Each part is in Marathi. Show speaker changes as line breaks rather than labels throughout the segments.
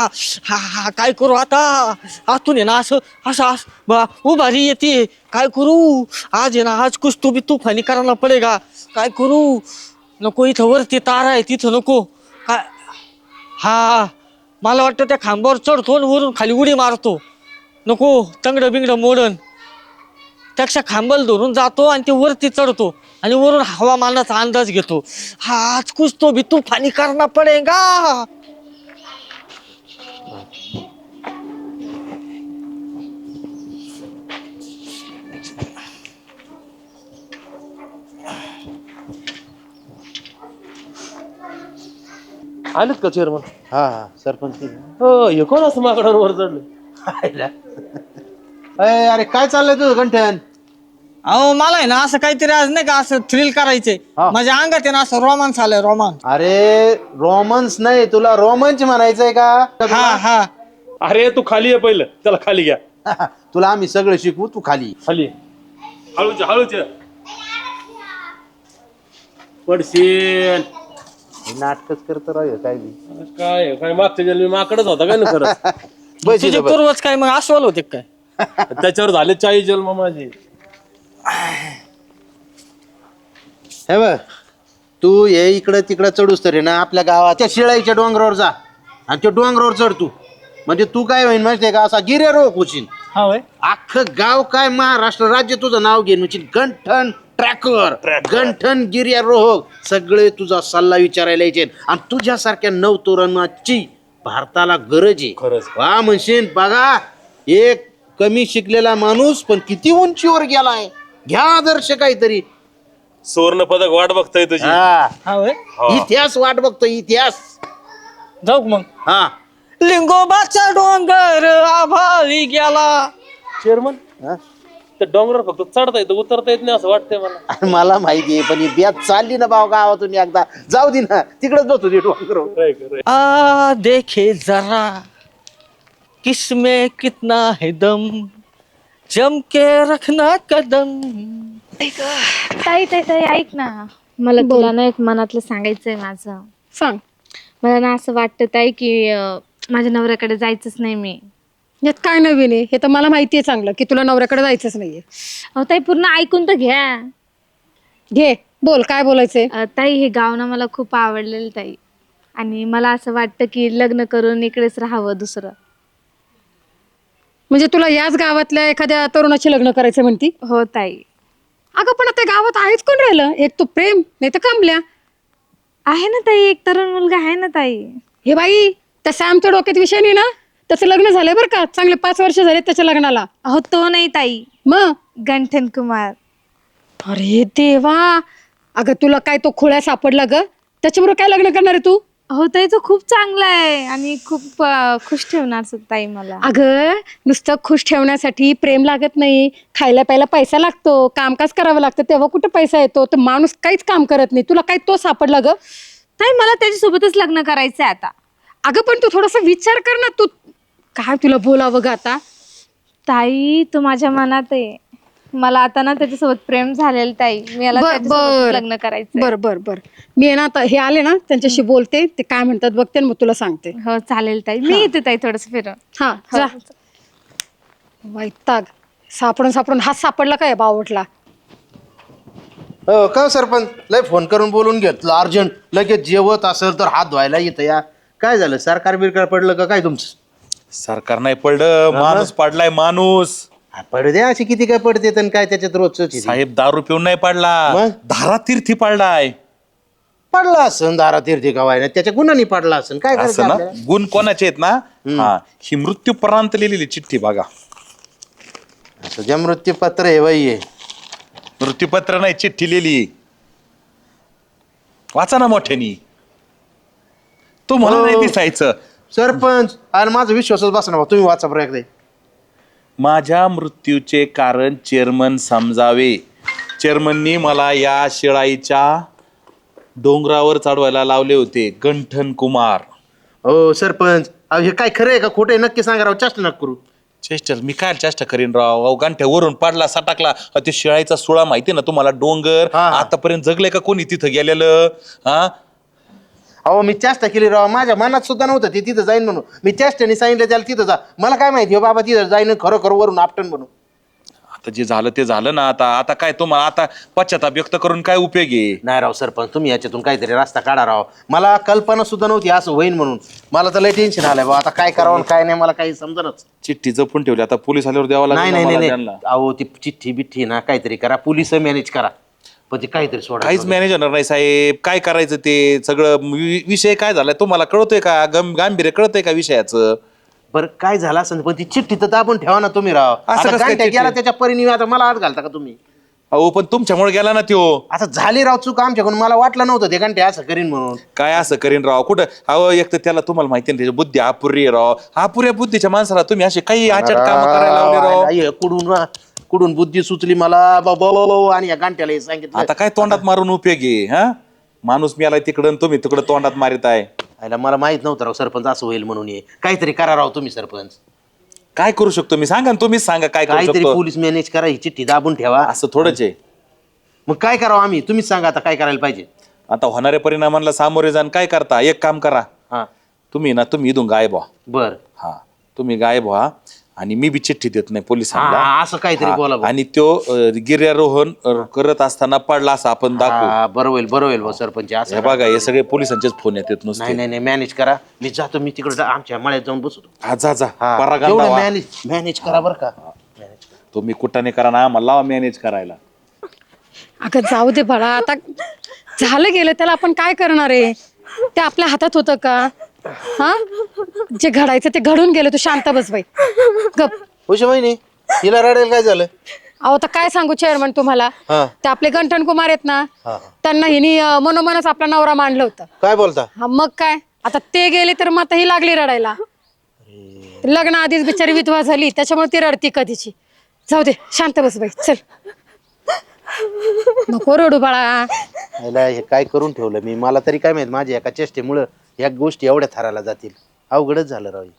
हा हा काय करू आता आतून आहे ना असं असं उभारी येते काय करू आज आहे ना आज कुछ तो भी तूफानी करायला पडेगा काय करू नको इथं वरती तारा आहे तिथं नको काय हा मला वाटतं त्या खांबावर चढतो आणि वरून खाली उडी मारतो नको तंगडं बिंगडं मोडन त्याक्षा खांबल धरून जातो आणि ते वरती चढतो आणि वरून हवामानाचा अंदाज घेतो हा आज कुछ तो भी तूफानी करना पडेगा
आलेत का चेअरमन?
हा हा सरपंच
हो हे कोण असं माकडावर वर चढलं?
अरे काय चाललंय तुझं गंठन?
अहो मला आहे ना असं काहीतरी आज नाही का असं थ्रिल करायचंय
हा.
माझ्या अंगात आहे ना असं रोमांस आलंय रोमांस
अरे रोमन्स नाही तुला रोमांच म्हणायचंय का?
हा हा
अरे तू खाली आहे पहिलं, त्याला खाली घ्या.
तुला आम्ही सगळं शिकवू, तू खाली
खाली हळूच हळूच पडशील.
नाटकच करत राहील काय बी.
काय काय मागच्या जन्मी माकडच होता काय ना खरंच.
बस
तुझे
इथं बस.
पूर्वज काय मग अस्वल होते काय
त्याच्यावर झाले 40 जन्म माझे.
हे बघ तू ये इकडं तिकडं चढूस तरी ना आपल्या गावात त्या शिळाईच्या डोंगरावर जा आणि त्या डोंगरावर चढ तू म्हणजे तू काय होईन माहितीये का असा गिर्यारोहक होशील.
हा होय
अख्खं गाव काय महाराष्ट्र राज्य तुझं नाव घेईन म्हणजे गंठन ट्रॅकर गंठन गिर्यारोहक सगळे तुझा सल्ला विचारायला यायचे आणि तुझ्यासारख्या नवतरुणाची भारताला गरज आहे.
खरंच.
वा म्हणशील बघा एक कमी शिकलेला माणूस पण किती उंचीवर गेलाय घ्या आदर्श काहीतरी.
सुवर्ण पदक वाट बघताय तुझी.
हा
हा होय
इतिहास वाट बघतो इतिहास.
जाऊ का मग
हा
लिंगोबाचा डोंगर आभाळी गेला
चेअरमन
हा?
त्या डोंगरावर फक्त चढता येतं उतरता येत नाही असं वाटतंय मला.
अरे मला माहितीये पण ही ब्यात चालली ना भाऊ गावातून एकदा जाऊ दे ना तिकडेच बसू दे डोंगरावर.
काय खरंय.
आ देखे जरा किसमें कितना है दम जम के रखना कदम
ताई ताई ताई ऐक ना मला तुला ना एक मनातलं सांगायचंय माझं.
सांग.
मला ना असं वाटतं ताई की माझ्या नवऱ्याकडे जायचंच नाही मी.
यात काय नवीन आहे? हे तर मला माहिती आहे चांगलं की तुला नवऱ्याकडे जायचंच नाहीये.
अहो ताई पूर्ण ऐकून तर घ्या.
घे बोल काय बोलायचंय.
ताई हे गाव ना मला खूप आवडलेलं ताई आणि मला असं वाटतं की लग्न करून इकडेच राहावं दुसरं.
म्हणजे तुला याच गावातल्या एखाद्या तरुणाची लग्न करायचं म्हणती?
हो ताई.
अगं पण आता गावात आहेच कोण राहिलं? एक तो प्रेम नाही तर कमल्या.
आहे ना ताई एक तरुण मुलगा आहे ना ताई.
हे बाई तसं आमच्या डोक्यात विषय नाही ना. त्याचं लग्न झालंय बरं का चांगले 5 वर्ष झाले त्याच्या लग्नाला.
अहो तो नाही ताई
मग
गंठन कुमार.
अरे देवा अगं तुला काय तो खुळ्या सापडला ग त्याच्याबरोबर काय लग्न करणार आहे तू?
हो ताई तो खूप चांगला आहे आणि खूप खुश ठेवणार ताई मला.
अगं नुसतं खुश ठेवण्यासाठी प्रेम लागत नाही. खायला प्यायला पैसा लागतो कामकाज करावं लागतं तेव्हा कुठं पैसा येतो. तर माणूस काहीच काम करत नाही. तुला काय तो सापडला ग?
ताई मला त्याच्यासोबतच लग्न करायचंय आता.
अगं पण तू थोडासा विचार कर ना. तू काय तुला बोलावं ग आता?
ताई तो माझ्या मनात आहे. मला आता ना त्याच्यासोबत प्रेम झालेलं ताई. मी याला त्याच्यासोबत लग्न करायचं.
बर बर बर मी आहे ना आता हे आले ना त्यांच्याशी बोलते ते काय म्हणतात बघते मग तुला सांगते.
हो चालेल ताई. मी येते ताई थोडस फिरून.
हा जा. वैताग सापडून सापडून हात सापडला काय बावटला.
हो का सरपंच लय फोन करून बोलून घेतलं अर्जंट लगेच जेवत असेल तर हात धुवायला येतं या. काय झालं सरकार बिरकार पडलं का काय तुमचं?
सरकार नाही पडलं माणूस पडलाय माणूस.
पडू द्या अशी किती काय पडते आणि काय त्याच्यात रोजच
साहेब दारू पिऊन नाही पडला
मग?
धारातीर्थी पडलाय.
पडला असन दारा तीर्थी गावाय त्याच्या गुन्हानी पडला असन काय करायचं
असं ना
आपल्याला?
गुण कोणाचे आहेत ना हा ही मृत्यूपर्यंत लिहिलेली चिठ्ठी बघा.
तुझ्या मृत्यूपत्र आहे बाई हे.
मृत्यूपत्र नाही चिठ्ठी लिहिली वाचा ना मोठ्यानी. तो मला
हो.
नाही दिसायचं.
सरपंच आणि माझा विश्वासच बसना बा तुम्ही वाचा बरं एकदा.
माझ्या मृत्यूचे कारण चेअरमन समजावे. चेअरमननी मला या शिळाईच्या डोंगरावर चढवायला लावले होते. गंठन कुमार.
हो सरपंच अहो हे काय खरं आहे का खोटं आहे नक्की सांगा राव चेष्टा नका करू.
चेष्टर मी काय चेष्टा करीन राव. अहो गांठ्या वरून पाडला सटाकला. ते शिळाईचा सुळा माहिती ना तुम्हाला डोंगर.
हा.
आतापर्यंत जगले का कोणी तिथं गेलेलं हा?
अहो मी चेष्टा केली राव, माझ्या मनात सुद्धा नव्हतं ते तिथं जाईन म्हणून. मी चेष्टाने सांगितलं त्याला तिथं जा. मला काय माहिती हो बाबा तिथं जाईन खरोखर वरून आपटन म्हणून.
आता जे झालं ते झालं ना. आता आता काय तुम्हाला आता पश्चाताप व्यक्त करून काय उपयोग आहे?
नाही राव सरपंच, तुम्ही याच्यातून काहीतरी रस्ता काढा राव. मला कल्पना सुद्धा नव्हती असं होईन म्हणून. मला तर लय टेन्शन आलंय बाबा, आता काय करावं काय नाही मला काही समजणच.
चिठ्ठी जपून ठेवली, आता पोलीस आल्यावर द्यावं
नाही
लागेल
नाही
ना
नाही
मला
नाही.
त्यांना.
अहो ती चिठ्ठी बिठ्ठी ना काहीतरी करा, पोलिस मॅनेज करा, पण ते काहीतरी सोडा.
काहीच मॅनेज होणार नाही साहेब. काय करायचं ते सगळं विषय काय झालाय तुम्हाला कळतोय का? गांभीर्य कळतंय का विषयाचं?
बरं काय झालं असं पण ती चिठ्ठी तर दाबून ठेवा ना तुम्ही राव.
असं
आता
कसं काय
गांठ्या
चिठ्ठी?
गेला त्याच्या परिणामी आता मला हात घालता का तुम्ही?
अहो पण तुमच्यामुळे गेला ना त्यो.
आता झाली राव चूक आमच्याकडून, मला वाटलं नव्हतं ते घंटे असं करीन म्हणून.
काय असं करीन राव? कुठं अहो एक तर त्याला तुम्हाला माहिती ना त्याची बुद्धी अपुरी आहे राव. अपुऱ्या बुद्धीच्या माणसाला तुम्ही असे काही आचट काम करायला लावले राव.
आई, कुडून बुद्धी सुचली मला बोलवलो आणि या गांठ्याला हे सांगितलं.
आता काय तोंडात मारून उपयोग आहे? हा माणूस मेलाय तिकडं तुम्ही तिकडं तोंडात मारित आहे.
आईला मला माहित नव्हतं राव सरपंच असं होईल म्हणून. हे काहीतरी करा राव तुम्ही सरपंच.
काय करू शकतो मी? सांगा ना, तुम्हीच सांगा काय करू
काहीतरी
शकतो.
पोलीस मॅनेज करा, ही चिठ्ठी दाबून ठेवा.
असं थोडंच आहे.
मग काय करावं आम्ही? तुम्हीच सांगा आता काय करायला पाहिजे.
आता होणाऱ्या परिणामाला सामोरे जाण काय करता? एक काम करा,
हा
तुम्ही इथून गायब व्हा.
बर.
हा तुम्ही गायब व्हा आणि मी बी चिठ्ठी देत नाही पोलिसांना.
असं काहीतरी बोला
हा, आणि तो गिर्यारोहण करत असताना पडला असं आपण दाखवू.
बरोबर भाऊ सरपंच.
हे
असं
बघा हे सगळे पोलिसांचेच फोन येतात
नाही
नुसते.
नाही नाही मॅनेज करा. मी जातो, मी तिकडे आमच्या मळ्यात जाऊन बसतो.
हा जा जा परागंदा
तेवढं
व्हा.
मॅनेज करा बरं का.
तुम्ही कुठाने करा ना, मला लावा मॅनेज करायला.
अगं जाऊ दे बाळा, आता झालं गेलं त्याला आपण काय करणार आहे? ते आपल्या हातात होतं का? हा जे घडायचं ते घडून गेलं. तू शांत बस बाई, गप.
हुश महिने हिला रडेल काय झालं?
अहो तर काय सांगू चेअरमन तुम्हाला,
हा.
ते आपले गंठन कुमार आहेत ना, त्यांना हिनी मनोमनच आपला नवरा मांडलं होतं.
काय बोलता?
हा मग काय, आता ते गेले तर मग आता ही लागली रडायला. लग्न आधीच बिचारी विधवा झाली, त्याच्यामुळे ती रडती कधीची. जाऊ दे, शांत बस बाई, चल. नको रडू बाळा.
याला हे काय करून ठेवलं मी? मला तरी काय माहित माझ्या एका चेष्टेमुळं या गोष्टी एवढ्या थराला जातील. अवघडच झालं राव.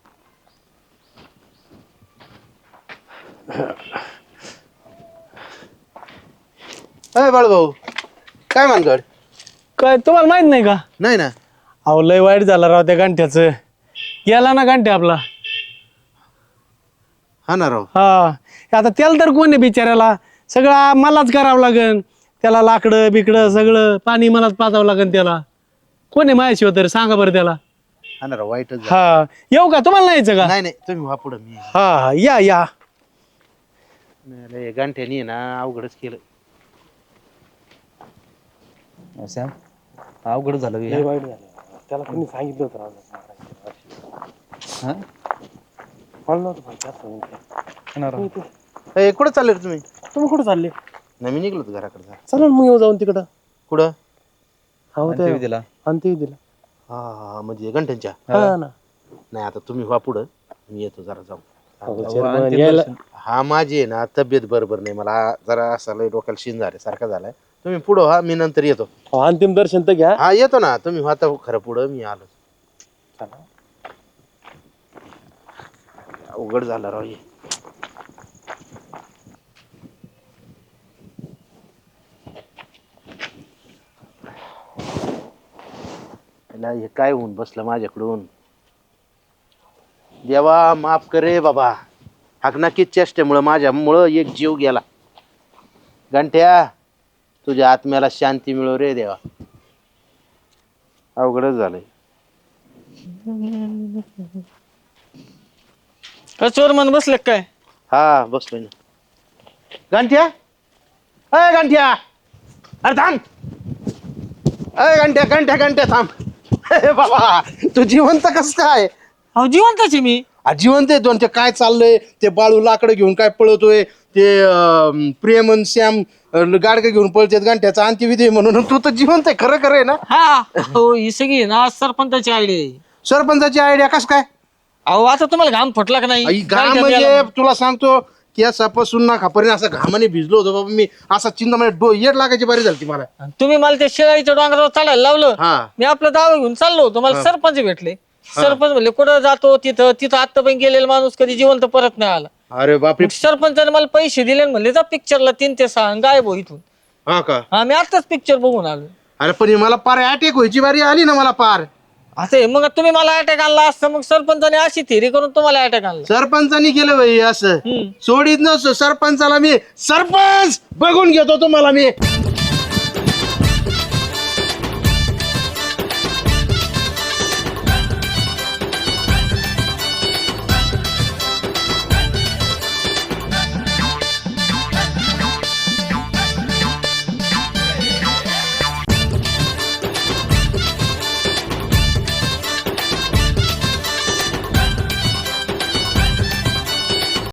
अय बाळभाऊ, काय मानगड?
काय तुम्हाला माहित नाही का?
नाही ना.
अहो लय वाईट झालं राव त्या गांठ्याचं. गेला ना गांठ्या आपला.
हा ना राव.
हा आता त्याला तर कोण आहे बिचाऱ्याला? सगळं मलाच करावं लागन. त्याला लाकडं बिकडं सगळं पाणी मलाच पाजावं लागन. त्याला कोण आहे माझ्याशिवाय तर सांगा बरं त्याला.
हा ना राव, वाईटच झालं.
हा येऊ का? तुम्हाला नाही यायचं का?
नाही नाही तुम्ही व्हा पुढं. मी
हा या या.
हे गांठ्यानी ना अवघडच केलं.
अवघड झालं हे.
त्याला कोणी सांगितलं होतं?
कुठं चालले रे तुम्ही?
तुम्ही कुठं चालले?
नाही मी निघलो होतो घराकडे.
चला मग येऊ जाऊन तिकडं.
कुठं?
हो ते
दिला
अंती दिला.
हा म्हणजे घंट्यांच्या.
हा ना.
नाही आता तुम्ही व्हा पुढं, मी येतो जरा जाऊन.
यायला
हा माझी आहे ना तब्येत बरोबर नाही, मला जरा असं लय डोक्याला शिन झाले सारखा झालाय. तुम्ही पुढं व्हा, मी नंतर येतो.
अंतिम दर्शन तर घ्या.
हा येतो ना, तुम्ही व्हा तर खरं पुढं, मी आलो. अवघड झालं राव हे. हे काय होऊन बसलं माझ्याकडून? देवा माफ करे बाबा. हकनाकीच चेष्टेमुळं माझ्यामुळं एक जीव गेला. घंट्या तुझ्या आत्म्याला शांती मिळो रे देवा. अवघडच झालंय.
चोर मन बसले काय?
हा बसलोय ना. घंट्या, अय घंट्या, अरे थांब. अय घंट्या घंट्या घंट्या थांब. अरे बाबा तू जिवंत कस काय?
अहो जिवंतच आहे मी.
जिवंत आहे दोन. ते काय चाललंय? ते बाळू लाकडं घेऊन काय पळतोय? ते प्रेमन श्याम गाडगं घेऊन पळतात. घंट्याचा अंत्यविधी म्हणून तू तर जिवंत आहे. खरं खरं आहे ना?
हा हो ही सगळी ना सरपंचाची आयडिया.
सरपंचाची आयडिया कस काय?
अहो आता तुम्हाला घाम फुटला का नाही?
घाम म्हणजे तुला सांगतो केसापासून ना खापर्यंत असं घामाने भिजलो होतो बाबा मी. असा चिंतामध्ये येड लागायची बारी झाली मला.
तुम्ही मला त्या शेळाईच्या डोंगरावर चालायला लावलं.
हा
मी आपला दावा घेऊन चाललो होतो. मला सरपंच भेटले. सरपंच म्हणले कुठं जातो? तिथं आता पण गेलेला माणूस कधी जिवंत परत नाही आला.
अरे बापरे.
सरपंचाने मला पैसे दिले आणि म्हणले जा पिक्चरला 3 ते 6 गायब हो इथून.
हा का?
हा मी आताच पिक्चर बघून आलो.
अरे पण हे मला पार अटॅक व्हायची बारी आली ना मला पार.
असं आहे, मग तुम्ही मला अटॅक आणला असतं मग सरपंचाने अशी थेरी करून तुम्हाला अटॅक आणला.
सरपंचानी केलं भाई असं. सोडीत नसतो सरपंचाला मी. सरपंच बघून घेतो तुम्हाला मी.